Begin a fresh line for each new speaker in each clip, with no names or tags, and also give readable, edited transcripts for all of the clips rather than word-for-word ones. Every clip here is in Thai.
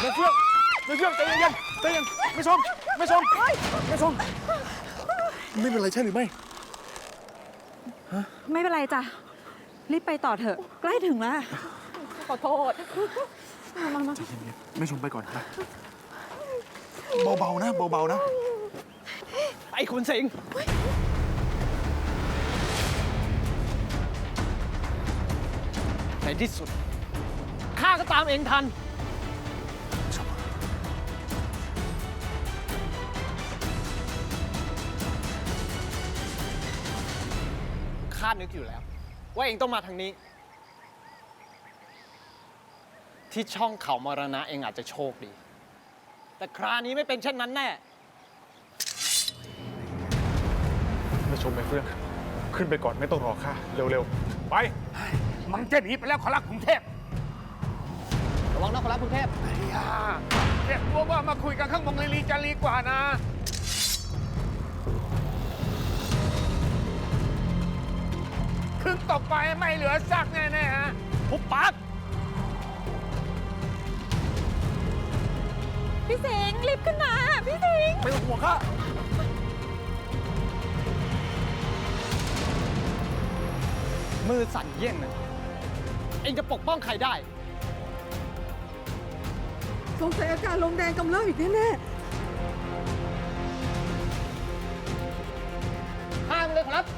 ไม่เฟื่องใจเย็นไม่ชมไม่เป็นไรใช่หรือไม่
ไม่เป็นไรจ้ะรีบไปต่อเถอะใกล้ถึงแล้วขอโทษมา
ใจเย็นๆไม่ชมไปก่อนนะเบาๆนะ
ไอ้คุณสิงห์ในที่สุดข้าก็ตามเองทันข้านึกอยู่แล้วว่าเองต้องมาทางนี้ที่ช่องเขามรณะเองอาจจะโชคดีแต่คราวนี้ไม่เป็นเช่นนั้นแน่
ไม่ชมไม่เฟื่องขึ้นไปก่อนไม่ต้องรอข้าเร็วๆไป
มันจะหนีไปแล้วขอรับกรุงเทพ
ระวังนะขอรับกรุงเทพ
เรียกตัวว่ามาคุยกันข้างบนลีจะลีกว่านะขึ้นตกไปไม่เหลือซากแน่ๆฮะ
หุบปาก
พี่สิงห์รีบขึ้นมาพี่สิงห์
ไม่ต้องห่วงข้า
มือสั่นเยี่ยงนะเองจะปกป้องใครได้
สงสัยอาการลงแดงกำเริบอีกแน่
ห้ามเลยครับ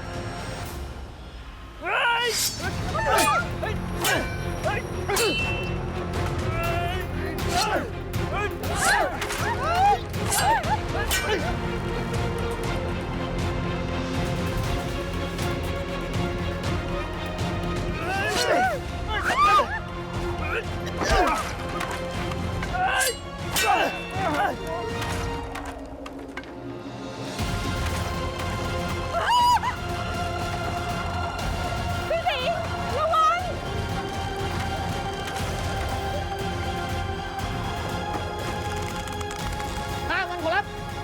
พี่สิงห์ระวัง
ห้ามมันขอรับ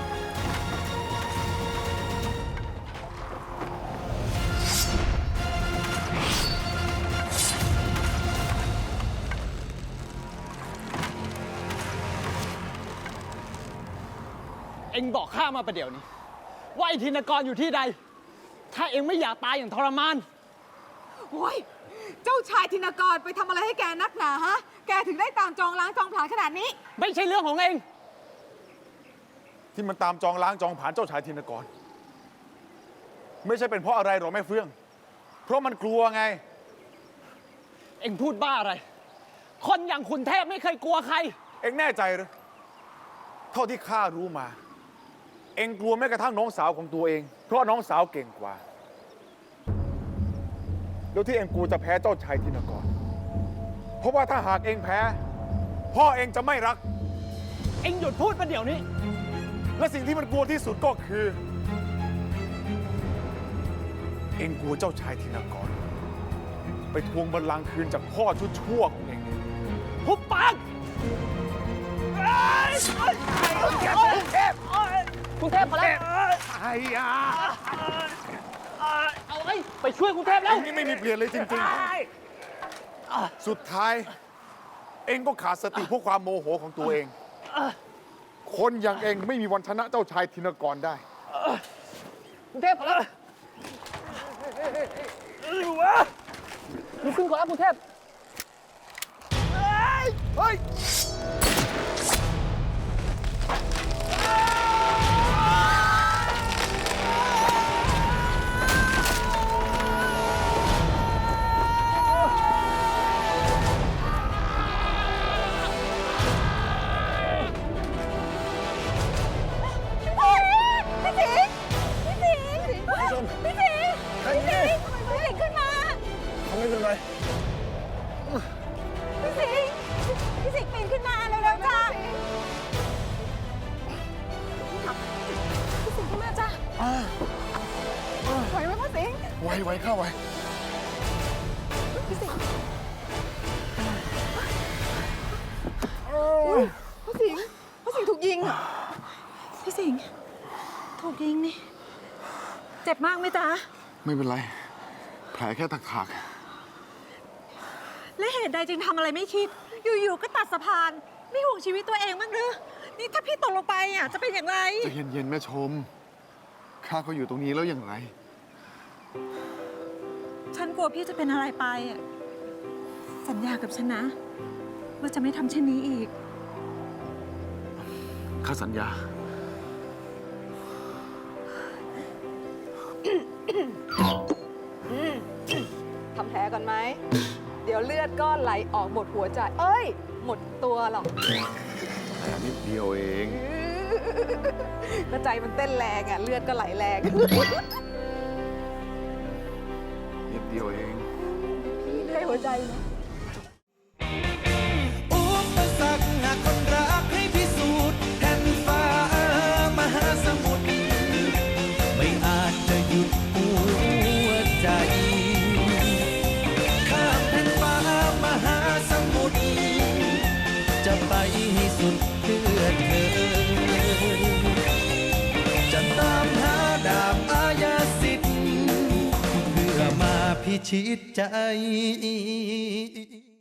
เอ็งบอกข้ามาประเดี๋ยวนี้ว่าไอ้ธินกรอยู่ที่ใดถ้าเอ็งไม่อยากตายอย่างทรมาน
โอ้ยเจ้าชายธินกรไปทำอะไรให้แกนักหนาฮะแกถึงได้ตามจองล้างจองผลาญขนาดนี้
ไม่ใช่เรื่องของเอง
ที่มันตามจองล้างจองผลาญเจ้าชายธินกรไม่ใช่เป็นเพราะอะไรหรอกแม่เฟื่องเพราะมันกลัวไง
เอ็งพูดบ้าอะไร คนอย่างคุณเทพไม่เคยกลัวใคร
เอ็งแน่ใจหรือเท่าที่ข้ารู้มาเอ็งกลัวแม้กระทั่งน้องสาวของตัวเองเพราะน้องสาวเก่งกว่าแล้วที่เอ็งกลัวจะแพ้เจ้าชายธินกรเพราะว่าถ้าหากเอ็งแพ้พ่อเอ็งจะไม่รัก
เอ็งหยุดพูดมาเดี๋ยวนี้
และสิ่งที่มันกลัวที่สุดก็คือเอ็งกลัวเจ้าชายธินกรไปทวงบัลลังก์คืนจากพ่อชั่วของเอ็ง
หุบปากกรุงเทพพอแล้ว
ไอ้ยา
เอาไว้ไปช่วยกรุงเทพแล้ว
นี่ไม่มีเปลี่ยนเลยจริงๆสุดท้ายเอ็งก็ขาดสติเพราะความโมโหของตัวเองคนอย่างเอ็งไม่มีวันชนะเจ้าชายธินกรได้
กรุงเทพพอแล้วลุกขึ้นก่อนแล้วกรุงเทพ
เฮ้ยไม่เป็นไร
พี่สิงห์ปีนขึ้นมาเร็วๆจ้าพี่สิงห์ขึ้นมาจ้าไหวไหมพ่อสิงห์
ไหวเข้าไหว
พี่สิงห์พ่อสิงห์ถูกยิงพี่สิงห์ถูกยิงนี่เจ็บมากไหมจ๊ะ
ไม่เป็นไรแผลแค่ถาก
และเหตุใดจึงทำอะไรไม่คิดอยู่ๆก็ตัดสะพานไม่ห่วงชีวิตตัวเองบ้างหรือนี่ถ้าพี่ตกลงไปอ่ะจะเป็นอย่างไร
ใจะเย็นๆแม่ชม ข้าก็อยู่ตรงนี้แล้วอย่างไร
ฉันกลัวพี่จะเป็นอะไรไปอ่ะสัญญากับฉันนะว่าจะไม่ทำเช่นนี้อีก
ข้าสัญญา
ทำแผลก่อนไหม เดี๋ยวเลือดก็ไหลออกหมดหัวใจ เอ้ย หมดตัวหรอก
แต่นิดเดียวเอง
ก็ใจมันเต้นแรงอ่ะ เลือดก็ไหลแรง
นิดเดียวเอง
พี่ได้หัวใจนะ
อุปสรรคหากคนรักให้พิสูจน์แผ่นฟ้ามหาสมุทรไม่อาจจะหยุดหัวใจข้ามแผ่นฟ้ามหาสมุทรจะไปให้สุดเพื่อเธอจะตามหาดาบอาญาสิทธิ์เพื่อมาพิชิตใจ